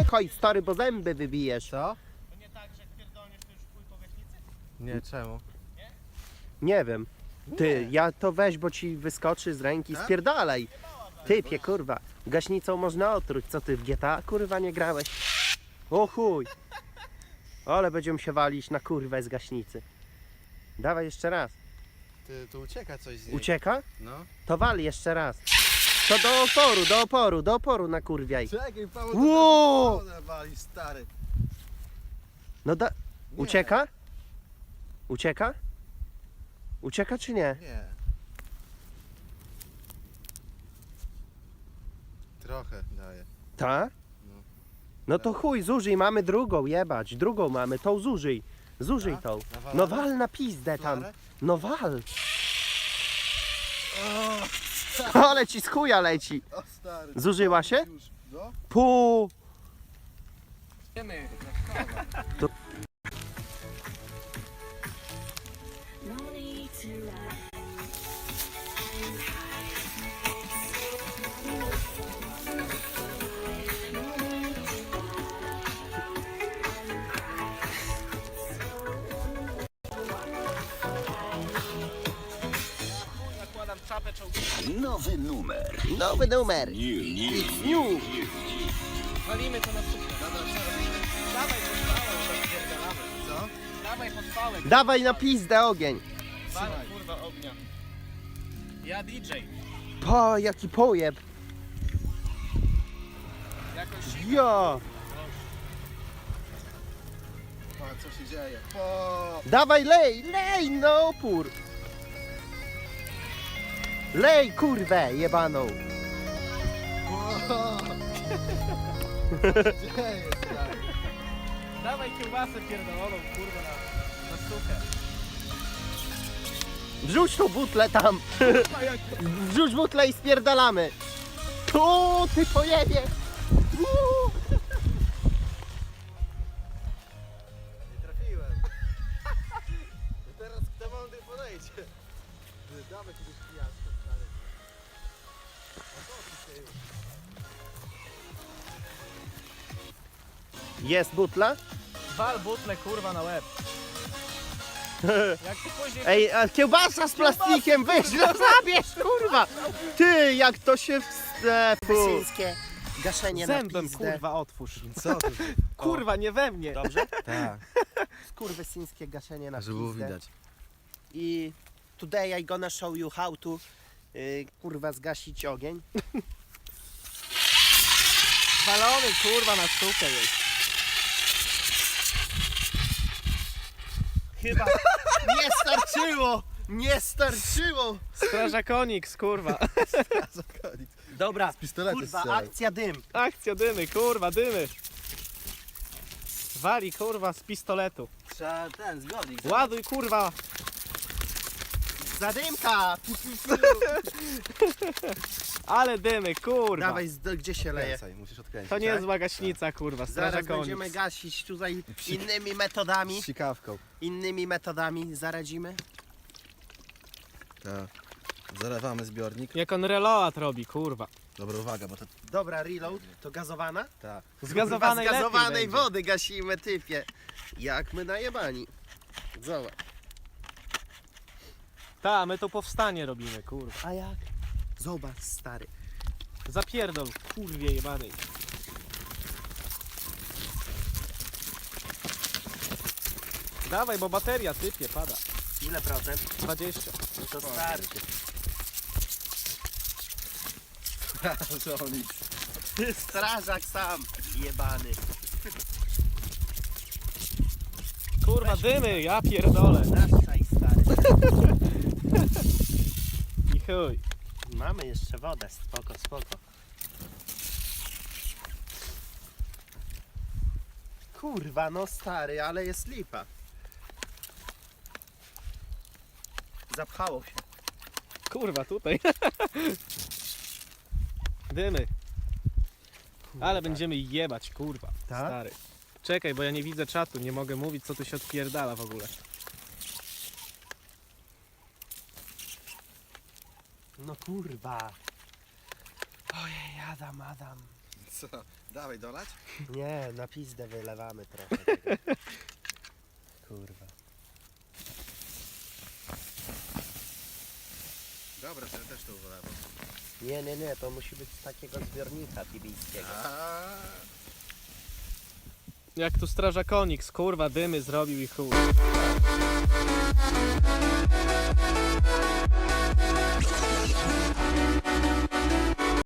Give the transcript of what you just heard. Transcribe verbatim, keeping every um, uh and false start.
uciekaj stary, bo zęby wybijesz. Co? To nie tak, że jak pierdolniesz, to już chuj po gaśnicy? Nie, czemu? Nie wiem. Ty, ja to weź, bo ci wyskoczy z ręki, Tak? spierdalaj. Typie, kurwa. Gaśnicą można otruć. Co ty w G T A, kurwa, nie grałeś? O chuj. Ale będziemy się walić na kurwę z gaśnicy. Dawaj jeszcze raz. Ty, tu ucieka coś z niej. Ucieka? No. To wali jeszcze raz. To do oporu, do oporu, do oporu nakurwiaj. Czekaj, Paweł, Wow! to wali, stary. No da... Nie. Ucieka? Ucieka? Ucieka czy nie? Nie. Trochę daje. Ta? No. No to chuj, zużyj, mamy drugą, jebać. Drugą mamy, tą zużyj. Zużyj Tak? tą. Nawalamy? No wal na pizdę tam. Flarę? No wal. O, Ale ci z chuja leci. o stary. Zużyła się? Już, no. Pu. Wiemy. No need to lie. Nakładam czapę czołgową. Nowy numer. Nowy numer. New, new, New. Walimy to na sufle. Dawaj podpałę, zapierdalamy. Co? Dawaj podpałę. Dawaj na pizdę ogień. Wal, kurwa, ognia. Ja D J. Po, jaki pojeb. Jakoś... Ja. Patrz, co się dzieje. O, Dawaj lej, lej na opór. Lej kurwę jebaną. o. Co się dzieje, stary? Dawaj kiełbasę pierdoloną, kurwa, na, na suchę. Wrzuć tą butlę tam. Wrzuć butlę i spierdalamy. Tu ty pojebie. Uuu. Nie trafiłem. I teraz kto mądry podejdzie? Ty, dawaj kiedyś pijaczkę, stary. O co ty się już? Jest butla? Wal butlę, kurwa, na łeb. Jak ty później... Ej, a kiełbasa z plastikiem, weź, no zabierz, kurwa! Ty, jak to się wstepu. Syńskie gaszenie Zębem, na pizdę. kurwa, otwórz. Co ty? Kurwa, nie we mnie. Dobrze? Tak, Skurwysyńskie gaszenie na żeby było pizdę. widać. I today I gonna show you how to y, kurwa zgasić ogień. Walony, kurwa, na suchę jest. Chyba nie starczyło! Nie starczyło! Strażakoniks, kurwa. Dobra, pistoletu kurwa, strzelaj. akcja dym. Akcja dymy, kurwa, dymy. Wali, kurwa, z pistoletu. Trzeba ten zbiornik. Ładuj, kurwa. Zadymka! Ale dymy, kurwa. Dawaj, z- gdzie się leje? Odkręcaj, musisz odkręcić. To nie jest tak? zła gaśnica, kurwa, Zaraz strażakoniks. będziemy gasić tutaj innymi metodami. Z sikawką. Innymi metodami zaradzimy. Tak. Zalewamy zbiornik. Jak on reload robi, kurwa. Dobra, uwaga, bo to... Dobra, reload, to gazowana? Tak. Z gazowanej Kurwa, z gazowanej lepiej będzie. wody gasimy, typie. Jak my najebani. Zobacz. Ta, my to powstanie robimy, kurwa. A jak? Zobacz, stary. Zapierdol, kurwie jebanej. Dawaj, bo bateria typie, pada. Ile procent? dwadzieścia. No to stary. Żonik. Strażak sam, jebany. Kurwa, dymy, ja pierdolę. Naszaj, stary. I chuj. Mamy jeszcze wodę, spoko, spoko. Kurwa, no stary, ale jest lipa. Zapchało się. Kurwa, tutaj. Dymy. Ale będziemy jebać, kurwa. Tak? Stary. Czekaj, bo ja nie widzę czatu, nie mogę mówić, co tu się odpierdala w ogóle. No kurwa. Ojej, Adam, Adam. Co? Dawaj dolać? Nie, na pizdę wylewamy trochę tego. Kurwa. Dobra, to ja też to wylewam. Nie, nie, nie, to musi być z takiego zbiornika tibijskiego. A, Jak tu strażak Oniks, kurwa, dymy zrobił i chuj.